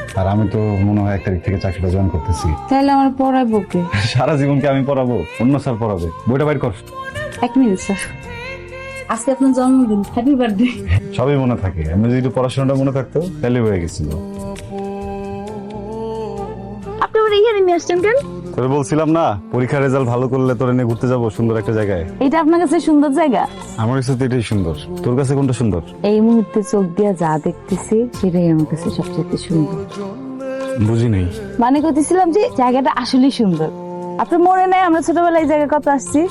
আর আমি তো মনে হয় 1 তারিখ থেকে চাকরিটা জয়েন করতেছি। তাহলে আমার পড়াবো কে? সারা জীবনকে আমি পড়াবো? অন্য স্যার পড়াবে। বইটা বাইর কর। 1 মিনিট স্যার, আজকে আপনার জন্মদিন, হ্যাপি বার্থডে। সবই মনে থাকে, আমি যদি একটু পড়াশোনাটা মনে থাকতো তাহলে হয়ে গেছিল। আপনি আমার এখানে নিয়ে আসছেন কেন? তোরে বলছিলাম না, পরীক্ষার রেজাল্ট ভালো করলে তোরে নিয়ে ঘুরতে যাবো সুন্দর একটা জায়গায়। এটা আপনার কাছে সুন্দর জায়গা? আমার কাছে তো এটাই সুন্দর। তোর কাছে কোনটা সুন্দর? এই মুহূর্তে চোখ দিয়া যা দেখতেছি সেটাই আমার কাছে সবচেয়ে সুন্দর। বুঝি নাই। মানে করতেছিলাম যে জায়গাটা আসলেই সুন্দর। আপনার মনে নাই আমরা ছোটবেলায় এই জায়গায় কত আসছি?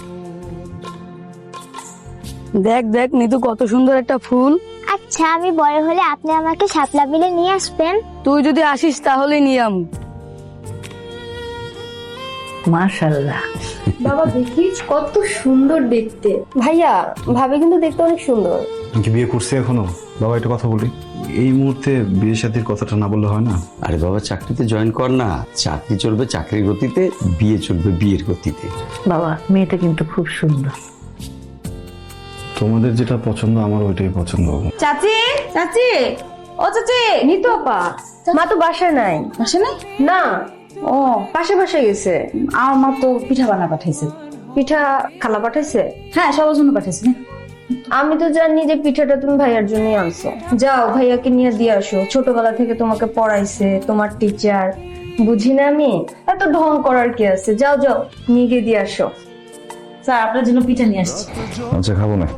দেখ দেখ নিতু, কত সুন্দর একটা ফুল। আচ্ছা, আমি বড় হলে আপনি আমাকে শাপলা বিলে নিয়ে আসবেন? তুই যদি আসিস তাহলে নিয়াম। মাশাআল্লাহ। বাবা দেখিস কত সুন্দর দেখতে। ভাইয়া ভাবে কিন্তু দেখতে অনেক সুন্দর। আমি কি বিয়ে করছি এখনো? বাবা একটা কথা বলি, এই মুহূর্তে বিয়ে শাদীর কথাটা না বললে হয় না? আরে বাবা, চাকরিতে জয়েন কর না। চাকরি চলবে চাকরির গতিতে, বিয়ে চলবে বিয়ের গতিতে। বাবা মেয়েটা কিন্তু খুব সুন্দর। তোমাদের যেটা পছন্দ আমার ওইটাই পছন্দ। চাচি, চাচি, ও চাচি। নিতু আপা, মা তো বাসায় নাই। আসে নাই? না, ও, পাশে বাসায় গেছে। আমার মা তো পিঠা বানা পাঠাইছে। পিঠা খালা পাঠাইছে? হ্যাঁ, সবার জন্য পাঠাইছে। আমি তো জানি যে পিঠাটা তুমি ভাইয়ার জন্যই আনছো। যাও ভাইয়াকে নিয়ে দিয়ে আসো, ছোটবেলা থেকে তোমাকে পড়াইছে তোমার টিচার। বুঝি না আমি? এত ঢং করার কি আছে? যাও যাও, নিয়ে গিয়ে দিয়ে আসো। স্যার আপনার জন্য পিঠা নিয়ে আসছি। আচ্ছা, খাবো না।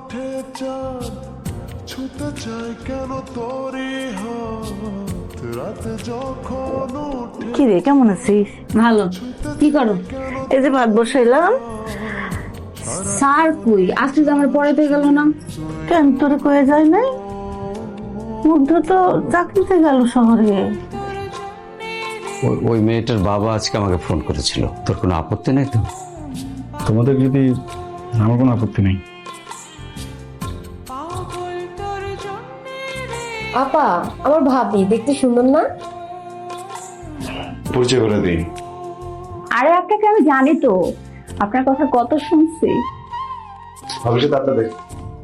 কি রে, কেমন আছিস? ভালো। কি করো? এই যে ভাত বসাইলাম। স্যার কই? আজকে যে আমার পড়াইতে গেল না কেন? তোরে কয়ে যায় নাই? মধ্য তো চাকরিতে গেল শহরে। ওই মেয়েটার বাবা আজকে আমাকে ফোন করেছিল। তোর কোনো আপত্তি নেই তো? তোমাদের যদি, আমার কোনো আপত্তি নেই। আপা, আমার ভাবি দেখতে সুন্দর না? পরিচয় করে দিই। আরে আপনাকে আমি জানি তো, আপনার কথা কত শুনছি। ভবিষ্যৎ আপনার দেখ।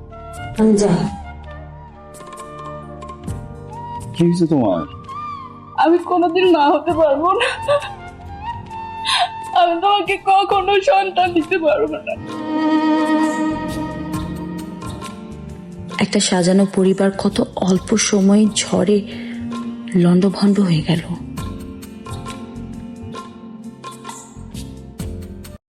কি হয়েছে তোমার? আমি কোনোদিন মা হতে পারবো না। আমি তোমাকে কখনো সন্তান দিতে পারবো না। একটা সাজানো পরিবার কত অল্প সময়ে ঝড়ে লণ্ডভণ্ড হয়ে গেল।